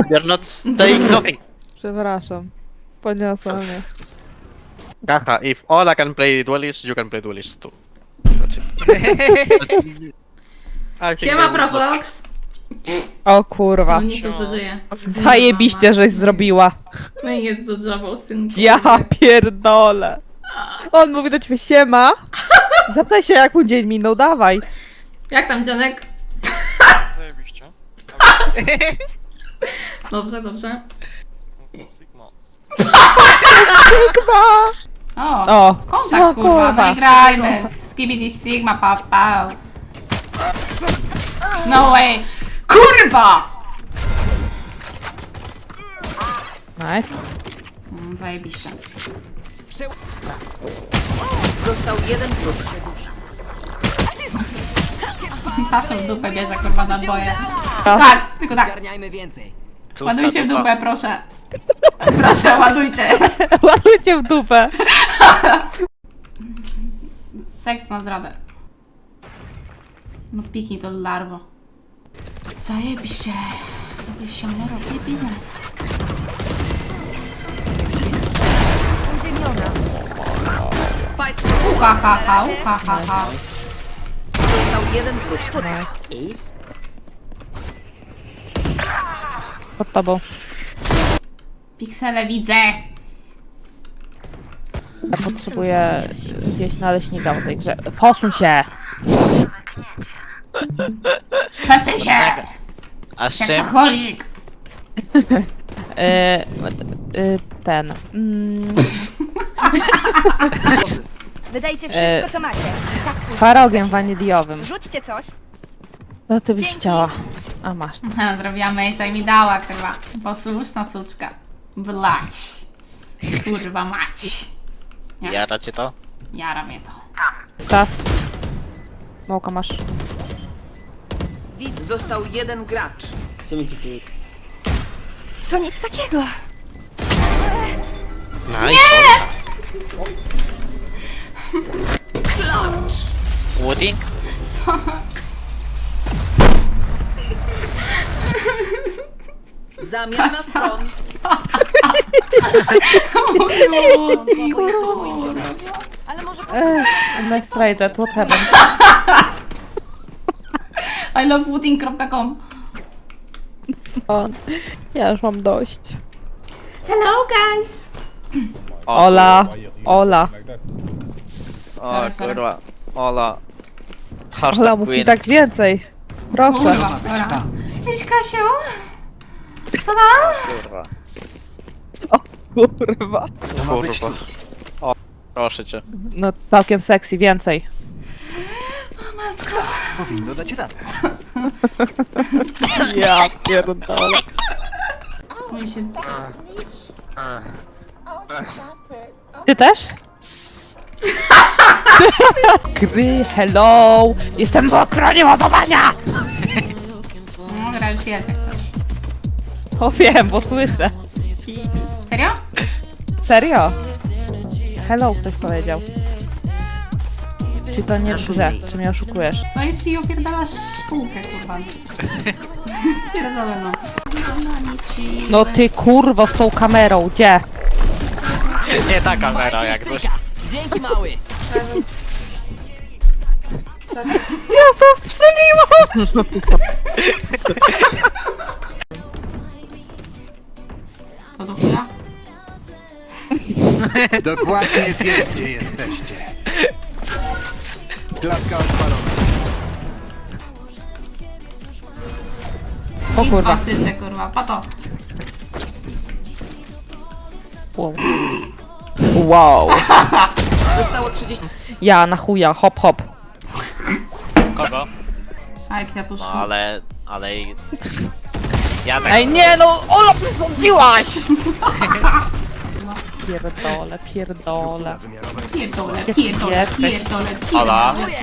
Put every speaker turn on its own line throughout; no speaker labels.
You're not saying nothing.
Przepraszam. Podniosła mnie.
Haha, if Ola can play duelist, you can play duelist too. That's it. I think
Siema,
they will not-
Probox!
O kurwa.
No nic to żyje.
Zajebiście, żeś zrobiła.
No i jest dodżował, synku.
Ja pierdolę. On mówi do ciebie siema. Zapytaj się jak mu dzień minął, dawaj.
Jak tam, dzianek?
Zajebiście.
Dobrze, dobrze.
Sigma.
Sigma.
O,
O,
kontakt kurwa, wygrajmy. Skibidi Sigma, papa. No way. Kurwa!
Nice.
Zajebiście.
Został jeden wróg.
Ta co w dupę bierze kurwa na boje. Tak, tylko tak.
Zgarniajmy więcej.
Ładujcie w dupę, proszę. Proszę, ładujcie.
Ładujcie w dupę.
Seks na zdradę. No piknij to larwo. Zajebiście. Robię się, robię biznes.
Spike
Uha, ha, ha, uha, ha, ha.
został jeden wróg.
Pod tobą.
Piksele widzę.
Ja potrzebuję zjeść naleśnika w tej grze. Posuń się.
Przesuń się.
A z czym?
Seksoholik.
Ten.
Wydajcie wszystko, co macie. Tak,
Twarogiem waniliowym.
rzućcie coś.
No ty byś
Dzięki.
chciała. A masz.
Zrobiła mejca i mi dała, kurwa. Posłuszna suczka. Blać. Kurwa mać.
Jara cię to?
Jara mnie to.
Czas. Mołka masz.
Widz został jeden gracz.
To nic takiego.
Nice. Wooding?
Zamiana stron.
Jesteś moim żonem. Ale może
Next Rage, what happened?
I love wooding.com.
Ja już mam dość.
Hello guys.
Ola. Ola.
O
Sorry, sorry.
kurwa. Ola.
Ola,
Hashtag
mów mi
queen.
tak więcej. Proszę.
Kurwa, dobra. Cześć Kasiu. Co tam?
Kurwa.
Kurwa.
Kurwa. O, proszę cię.
No całkiem sexy, więcej.
Powinno dać radę.
Ja pierdolę.
Mój się...
Ty też? Gry, hello! Jestem w okronie ładowania!
No, gra już jest jak coś.
O wiem, bo słyszę.
Serio?
Serio? Hello, ktoś powiedział. Czy to nie w grze? Czy mnie oszukujesz?
Co jeśli opierdalasz spółkę, kurwa? Pierdolę no.
No ty kurwo z tą kamerą, gdzie?
Nie ta kamera jak coś.
Dzięki mały.
Ja to strzeliłam!
Co do chuja?
Dokładnie wiem, gdzie jesteście. Klatka odpalona.
O kurwa.
Cyce, kurwa, pato.
Wow. Wow.
Zostało 30.
Ja na chuja, hop hop.
Kogo?
A jak kwiatuszki.
No ale... Ja tak...
Ej nie no, Ola przesądziłaś! Pierdolę, pierdolę.
Pierdolę, pierdolę, pierdolę,
Ola.
pierdolę.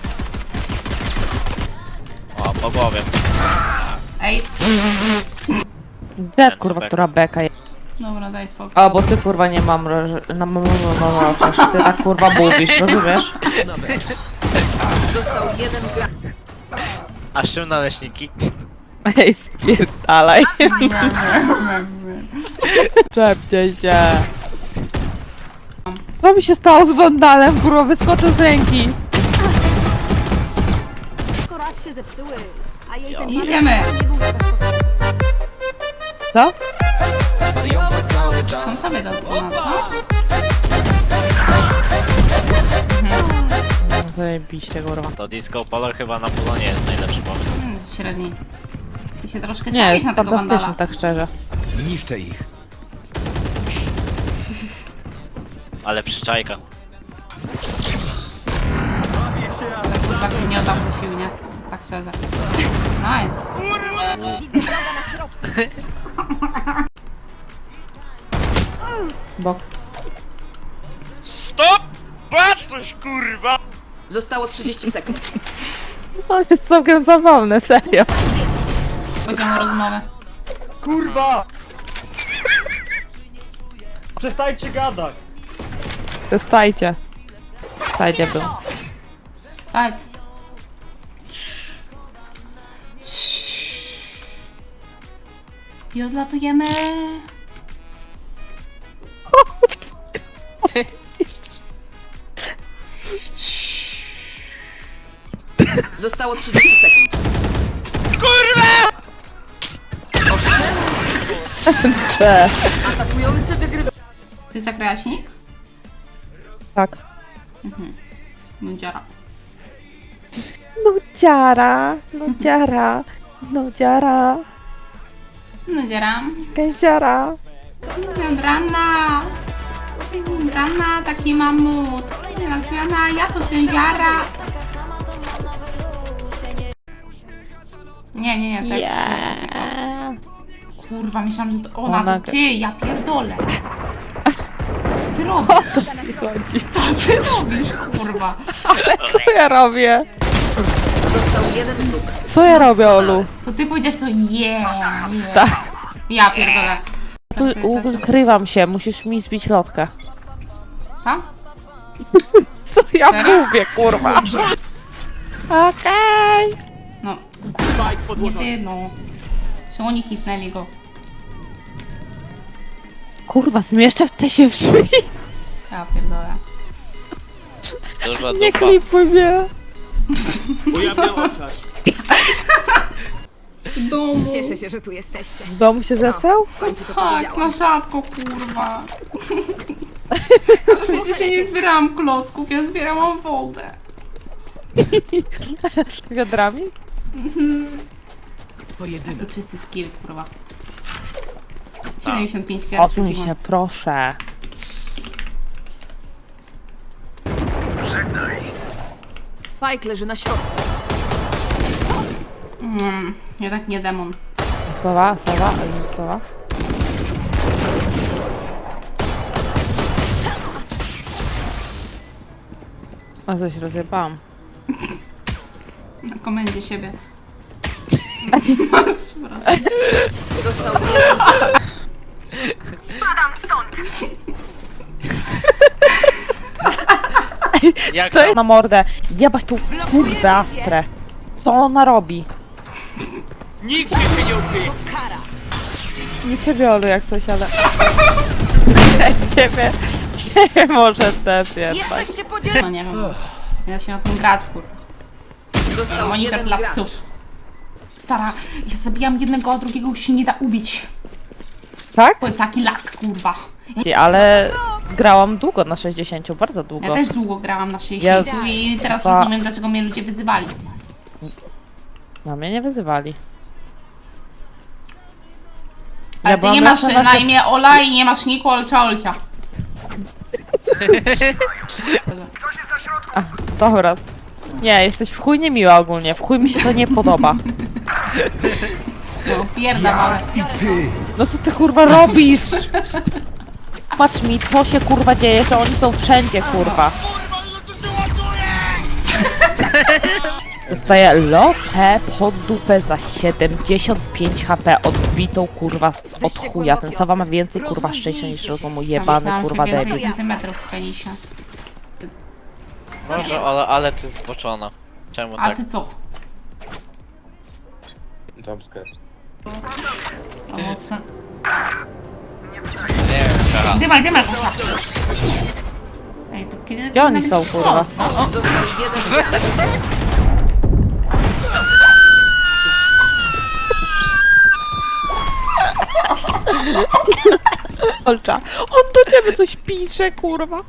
O, po głowie.
Ej,
Gdzie kurwa, która beka jest?
dobra, daj spokój.
A, bo ty kurwa nie mam ty tak kurwa mówisz, rozumiesz?
Został jeden gracz.
A z czym naleśniki?
Ej, spierdalaj. Czepcie się. Co mi się stało z Wandalem? Kurwa, wyskoczył z ręki.
Tylko raz się zepsuły, a jej ten
Idziemy.
nie był tak spokojny.
Co?
On sobie to odsłona, co?
Zajebiście, kurwa.
To disco polo chyba na polo nie jest najlepszy pomysł.
Średni. Ty się troszkę
Nie,
czaisz
jest
na tego
fantastyczny,
Wandala.
tak szczerze.
Niszczę ich.
Ale przyczajka.
Tak się nie oddam do sił, nie? Tak szczerze. Nice.
Widzę wroga na środku.
Boks.
Stop! Patrz coś, kurwa!
Zostało 30 sekund.
On jest całkiem zabawny, serio.
Powiedziałam o rozmowę.
Kurwa! Przestańcie gadać!
Przestajcie. Stajcie był.
Side. I odlatujemy.
Zostało 30 sekund.
Te.
Atakujący wygrywa.
Ty zagrałaś nick?
Tak.
Nudziara.
Nudziara, nudziara, nudziara,
Nudziara.
kędziara.
Brana. Brana, taki mamut. Brana, ja to sędziara. Nie, tak. Kurwa, myślałam, że to ona,
Ona-
to ty, ja pierdolę. Co ty robisz?
Chodzi.
Co ty robisz, kurwa?
Co ja robię?
Został jeden wróg.
Co ja robię, Olu?
To ty powiedziałeś to Tak. Ja pierdolę.
Tu ukrywam się, musisz mi zbić lotkę.
Ha?
Co ja
Serio?
mówię, kurwa? Okej.
No. Nie ty, no. Czy oni hitnęli go?
Kurwa, zmieszczę w te się w drzwi.
Ja pierdolę.
Duża
Nie
dupa.
klipuj mnie.
Ujawniam obszar.
Cieszę się, że tu jesteście.
W domu się zesrał?
W końcu to
Tak,
powiedziałam.
na rzadko, kurwa. Przecież dzisiaj nie zbierałam klocków, ja zbierałam wodę.
Wiadrami?
To czysty skill, kurwa. 75 kg.
Odsuń się, proszę.
Spike leży na środku.
Jednak nie demon.
Sowa, sowa, już sowa. O, coś rozjebałam.
Na komendzie siebie.
Został jeden.
Jak
Co
tam?
na mordę? Jebać tą kurwę astrę. Co ona robi?
Nikt się nie ukryje!
Nie ciebie, Olu, jak coś, ale... Ciebie może też jednak.
Jesteście podzieleni.
No nie wiem. Nie da się na tym grać, kurwa.
Został
Monitor
jeden
dla
gracz.
psów. Stara, ja zabijam jednego, a drugiego już się nie da ubić.
Tak?
To jest taki lak, kurwa.
Ale grałam długo na 60, bardzo
Ja
długo.
też długo grałam na 60 i teraz
Dwa.
rozumiem, dlaczego mnie ludzie wyzywali.
No mnie nie wyzywali.
Ale ty
byłam
nie masz
lepsza
na imię Ola i nie masz niku Olcia Olcia.
Dobra. Nie, jesteś w chuj niemiła ogólnie. W chuj mi się to nie podoba.
No, pierda małe.
No co ty kurwa robisz? Patrz mi, to się kurwa dzieje, że oni są wszędzie kurwa. Dostaję lotę pod dupę za 75 HP odbitą kurwa od chuja. Ten Sawa ma więcej kurwa szczęścia niż rozumu. Jebany kurwa
więcej
debil.
centymetrów w penisie.
Może, ale ty zboczona. Czemu
A
tak?
ty co?
jumpscare.
O, mocno.
Nie wiem, aha.
Dymaj, dymaj, kurwa. Ej, to kiedy...
Gdzie oni są, kurwa?
Został jeden wróg.
Olcza, on do ciebie coś pisze, kurwa.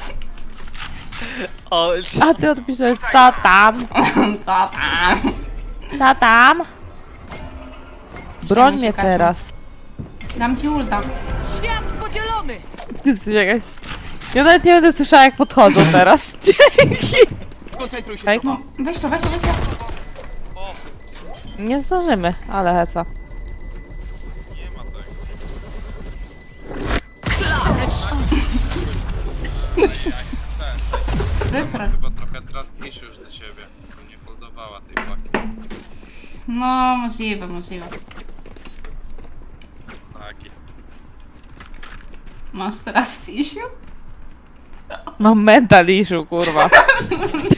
O,
A ty odpiszesz, co tam?
Co tam?
Co tam? Broń mnie
Kasiu.
teraz.
Dam ci ulta.
Świat podzielony!
Ty jesteś jakaś... Ja nawet nie będę słyszała, jak podchodzą teraz. Dzięki.
Koncentruj się,
Ej,
Sowa.
Weź to, weź to, weź to.
nie zdążymy, ale heca.
Wysra.
Chyba trochę trust issues do ciebie. Bo nie holdowała tej paki.
No, możliwe, możliwe.
Taki.
Masz teraz issue?
Mam mental issue, kurwa.